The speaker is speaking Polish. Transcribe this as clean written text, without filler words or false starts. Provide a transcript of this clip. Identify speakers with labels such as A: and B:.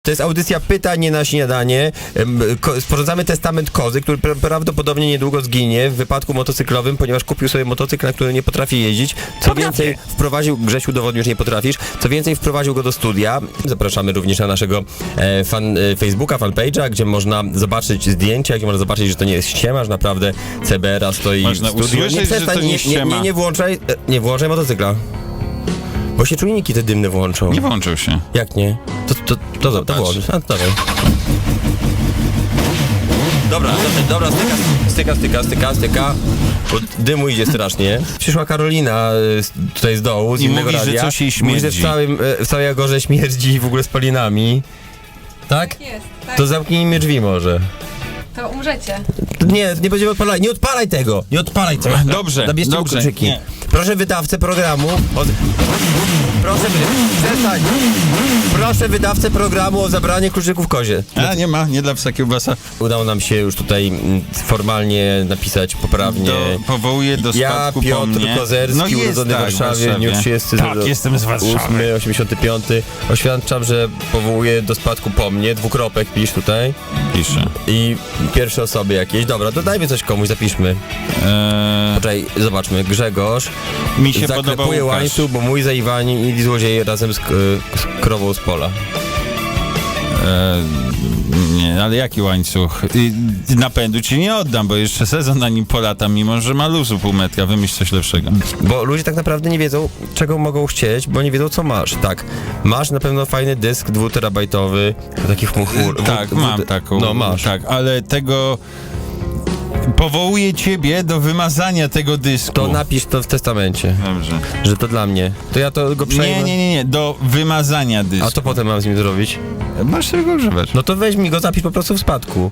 A: To jest audycja Pytanie na śniadanie. Sporządzamy testament kozy, który prawdopodobnie niedługo zginie w wypadku motocyklowym, ponieważ kupił sobie motocykl, na który nie potrafi jeździć. Co więcej, Grzesiu, udowodnił, że nie potrafisz. Co więcej, wprowadził go do studia. Zapraszamy również na naszego Facebooka, fanpage'a, gdzie można zobaczyć zdjęcia, gdzie można zobaczyć, że to nie jest ściema, że naprawdę CBR-a stoi
B: Można
A: w studiu.
B: usłyszeć, że to nie ściema.
A: Nie włączaj motocykla. Bo się czujniki te dymne włączą.
B: Nie włączył się.
A: Jak nie? To włącz. A, dawaj. Dobra, styka. Bo dymu idzie strasznie. Przyszła Karolina tutaj z dołu, z
B: I
A: innego
B: mówi, że
A: radia.
B: coś jej
A: Mówi, że
B: śmierdzi.
A: w całej Agorze śmierdzi w ogóle spalinami. Tak?
C: Jest, tak.
A: To zamknijmy drzwi może.
C: To umrzecie.
A: Nie będziemy odpalać. Nie odpalaj tego! Nie odpalaj tego!
B: Dobrze,
A: Zabierzcie mu
B: dobrze.
A: kluczyki.
B: Nie.
A: Proszę wydawcę programu. Przestań. Proszę wydawcę programu o zabranie kluczyków kozie.
B: A, nie dla psa kiełbasa.
A: Udało nam się już tutaj formalnie napisać poprawnie.
B: Powołuję do spadku
A: Ja,
B: po
A: Piotr
B: mnie.
A: Kozerski, urodzony w Warszawie w dniu 30
B: Tak, jestem z Warszawy.
A: 85. Oświadczam, że powołuję do spadku po mnie. Dwukropek pisz tutaj.
B: Piszę.
A: I pierwsze osoby jakieś. Dobra, dodajmy coś komuś, zapiszmy. Poczekaj, zobaczmy. Grzegorz.
B: Mi się podobał
A: Zaklepuje
B: Łukasz.
A: łańcuch, bo mój zaiwani i złodzieje razem z krową z pola.
B: Nie, ale jaki łańcuch? Napędu ci nie oddam, bo jeszcze sezon na nim polata, mimo że ma luzu pół metra. Wymyśl coś lepszego.
A: Bo ludzie tak naprawdę nie wiedzą, czego mogą chcieć, bo nie wiedzą, co masz. Tak, masz na pewno fajny dysk 2-terabajtowy, taki chmur.
B: Tak, mam taką.
A: No, masz.
B: Tak, ale tego... Powołuję ciebie do wymazania tego dysku.
A: To napisz to w testamencie,
B: Dobrze.
A: że to dla mnie. To ja to go przejmę.
B: Nie, do wymazania dysku.
A: A co potem mam z nim zrobić?
B: Masz tego używać.
A: No to weź mi go, zapisz po prostu w spadku.